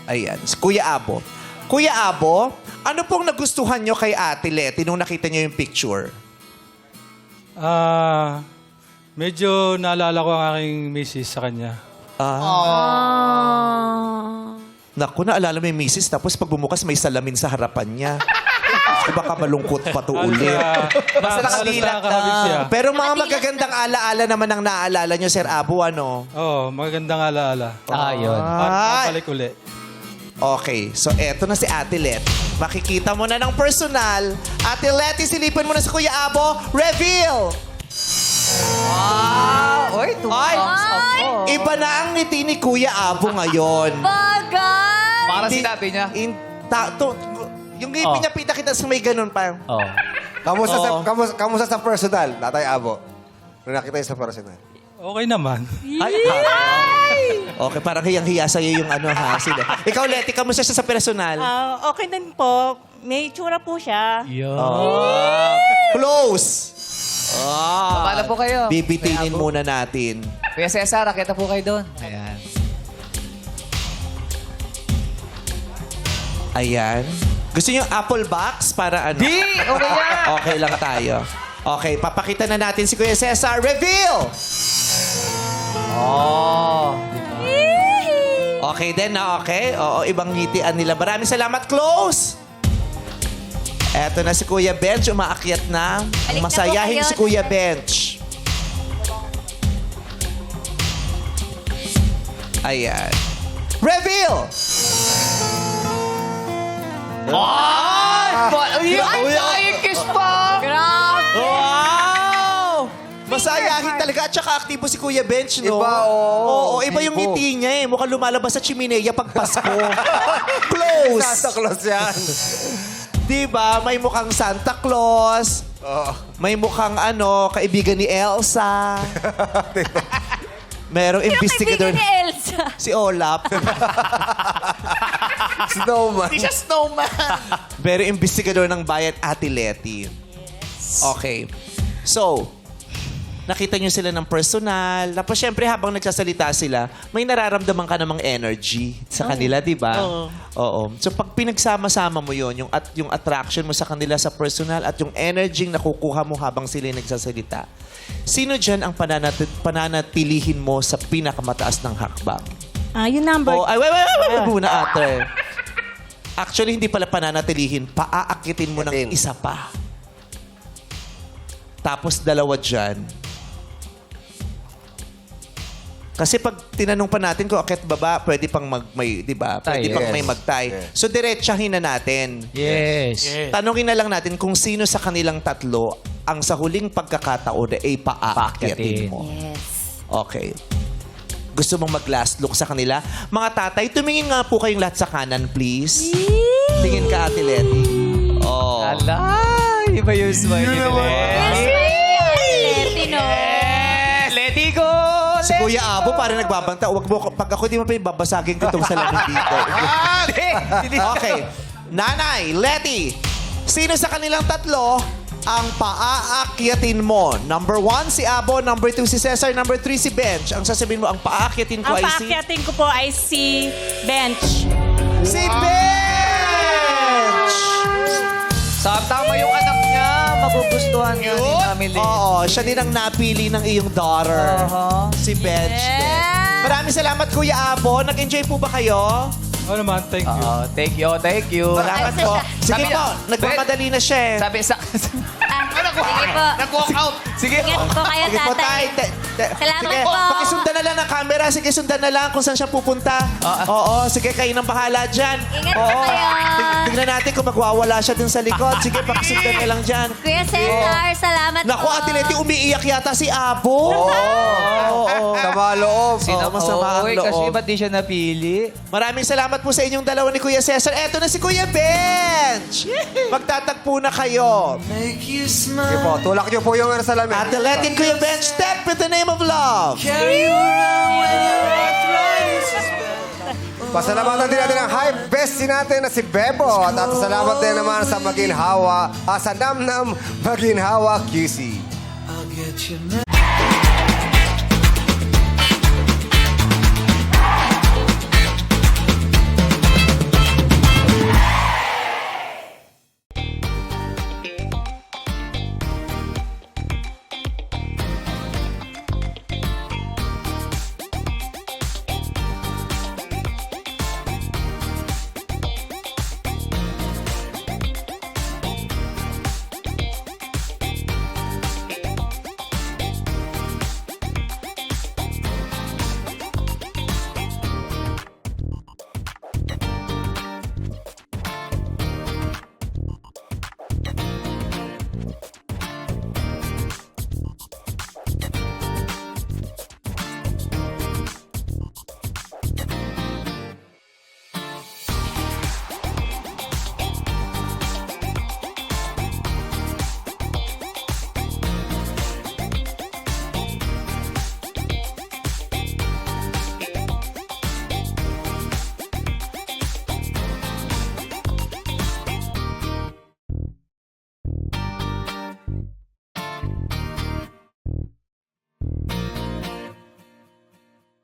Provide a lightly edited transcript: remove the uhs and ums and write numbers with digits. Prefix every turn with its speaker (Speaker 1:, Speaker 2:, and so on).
Speaker 1: Ayan, si Kuya Abo. Kuya Abo, ano pong nagustuhan nyo kay Ate Leti nung nakita nyo yung picture?
Speaker 2: Medyo naalala ko ang aking misis sa kanya.
Speaker 1: Naku, naalala mo yung misis, tapos pag bumukas may salamin sa harapan niya. So baka malungkot pa to ulit.
Speaker 3: Basta nakadilat
Speaker 2: siya.
Speaker 1: Pero mga magagandang alaala naman ang naaalala nyo, Sir Abo, ano?
Speaker 2: Oo, magandang alaala.
Speaker 3: Yun.
Speaker 1: Ay!
Speaker 2: Balik uli.
Speaker 1: Okay, so eto na si Ate Let. Makikita mo na ng personal. Ate Let, isilipin mo na si Kuya Abo. Reveal!
Speaker 3: Uy,
Speaker 1: Ay! Iba na ang ngiti ni Kuya Abo ngayon.
Speaker 4: Bagay!
Speaker 3: Para
Speaker 1: Hindi-
Speaker 3: sinabi niya.
Speaker 1: Yung ngipin niya, kita sa may ganun pa.
Speaker 5: Kamusta sa personal, Tatay Abo? Nung nakita niyo sa personal.
Speaker 2: Okay naman.
Speaker 1: Ay, okay, parang hiyang-hiya sa'yo yung ano ha. Sila. Ikaw, Leti, kamusta siya sa personal?
Speaker 6: Okay din po. May tsura po siya.
Speaker 1: Close!
Speaker 3: Pamala po kayo.
Speaker 1: Bibitinin muna natin.
Speaker 3: Kuya Cesar, raketa po kayo doon. Ayan.
Speaker 1: Ayan. Gusto niyo apple box para ano?
Speaker 3: Di! Okay yan!
Speaker 1: Okay lang tayo. Okay, papakita na natin si Kuya Cesar. Reveal! Okay din na, okay? Oo, ibang ngitian nila. Maraming salamat. Close! Eto na si Kuya Bench. Umaakyat na.
Speaker 4: Balik na po
Speaker 1: Masayahin
Speaker 4: kayo.
Speaker 1: si Kuya Bench. Ayan. Reveal!
Speaker 3: Ay, kiss pa!
Speaker 4: Grabe!
Speaker 1: Wow! Masayahin talaga. At saka aktibo si Kuya Bench, no?
Speaker 5: Iba,
Speaker 1: Oo, iba yung
Speaker 5: Aktibo.
Speaker 1: ngiti niya eh. Mukhang lumalabas sa chimenea pag Pasko. Close!
Speaker 5: Santa Claus yan.
Speaker 1: Diba? May mukhang Santa Claus. May mukhang kaibigan ni Elsa. Merong investigador.
Speaker 4: Kaibigan ni Elsa.
Speaker 1: Si Olap.
Speaker 5: Snowman.
Speaker 1: Merong investigador ng bayan, Ate Leti. Okay. So, nakita nyo sila ng personal. Tapos, syempre, habang nagsasalita sila, may nararamdaman ka namang energy sa kanila, di ba? Oo. So, pag pinagsama-sama mo yon yung attraction mo sa kanila sa personal at yung energy nakukuha mo habang sila yung nagsasalita, sino dyan ang pananatilihin mo sa pinakamataas ng hakbang?
Speaker 6: Yung number.
Speaker 1: Oh, ay, wait muna, ate. Actually, hindi pala pananatilihin. Paaakitin mo ng isa pa. Tapos dalawa dyan. Kasi pag tinanong pa natin kung akit baba, pwede pang di ba? Pwede pang may magtay. So, diretsahin na natin.
Speaker 3: Yes.
Speaker 1: Tanungin na lang natin kung sino sa kanilang tatlo ang sa huling pagkakataon ay paaakyatin mo.
Speaker 4: Yes.
Speaker 1: Okay. Gusto mong mag-last look sa kanila? Mga tatay, tumingin nga po kayong lahat sa kanan, please. Tingin ka, Ate Leti. Oh.
Speaker 3: Ala! Iba yung smile ni
Speaker 4: Leti, no?
Speaker 3: Let it go!
Speaker 1: Si Kuya Abo parang nagbabanta. Wag mo, pag ako di mo pa babasagin ko itong salamin dito. Okay. Nanay, Leti, sino sa kanilang tatlo ang paaakyatin mo? Number 1, si Abo. Number 2, si Cesar. Number 3, si Bench. Ang sasabihin mo, ang paaakyatin ko
Speaker 6: Ang
Speaker 1: ay si...
Speaker 6: paakyatin ko po ay si Bench.
Speaker 1: Si Bench!
Speaker 3: Tama yung anak niya. Magugustuhan niya ni family.
Speaker 1: Oo, siya din ang napili ng iyong daughter. Si Bench.
Speaker 4: Yes.
Speaker 1: Maraming salamat, Kuya Abo. Nag-enjoy po ba kayo?
Speaker 2: Oo naman, thank you.
Speaker 3: Thank you, thank you.
Speaker 1: Salamat po. Sige
Speaker 3: Sabi
Speaker 1: po,
Speaker 3: na-
Speaker 1: nagmamadali na siya eh.
Speaker 3: Sabi sa...
Speaker 4: Sige po.
Speaker 3: Nag-walk out. Sige.
Speaker 4: Ingat po kayo,
Speaker 1: Sige po,
Speaker 4: tatay.
Speaker 1: Sige,
Speaker 4: Salamat po.
Speaker 1: pakisundan na lang ng camera. Sige, sundan na lang kung saan siya pupunta. Oo, sige, kayo nang bahala dyan.
Speaker 4: Ingat po kayo.
Speaker 1: Tignan natin kung magwawala siya dun sa likod. Sige, pakisundan na lang dyan.
Speaker 4: Kuya Cesar, salamat po.
Speaker 1: Naku, Ate Leti, umiiyak yata si Abo. Oo.
Speaker 5: Sama loob.
Speaker 1: Oo, masama ang
Speaker 3: Oy, kasi
Speaker 1: loob.
Speaker 3: ba't di siya napili?
Speaker 1: Maraming salamat po sa inyong dalawa ni Kuya Cesar. Eto na si Kuya Bench. Magtatagpo na kayo.
Speaker 5: Sige po, tulak niyo po yung salamin.
Speaker 1: Ate Leti and Kuya Bench, step with the name of love.
Speaker 5: Pasalamatan din natin ang high bestie natin na si Bebo. At salamat din naman sa Maginhawa, sa Namnam Maginhawa QC.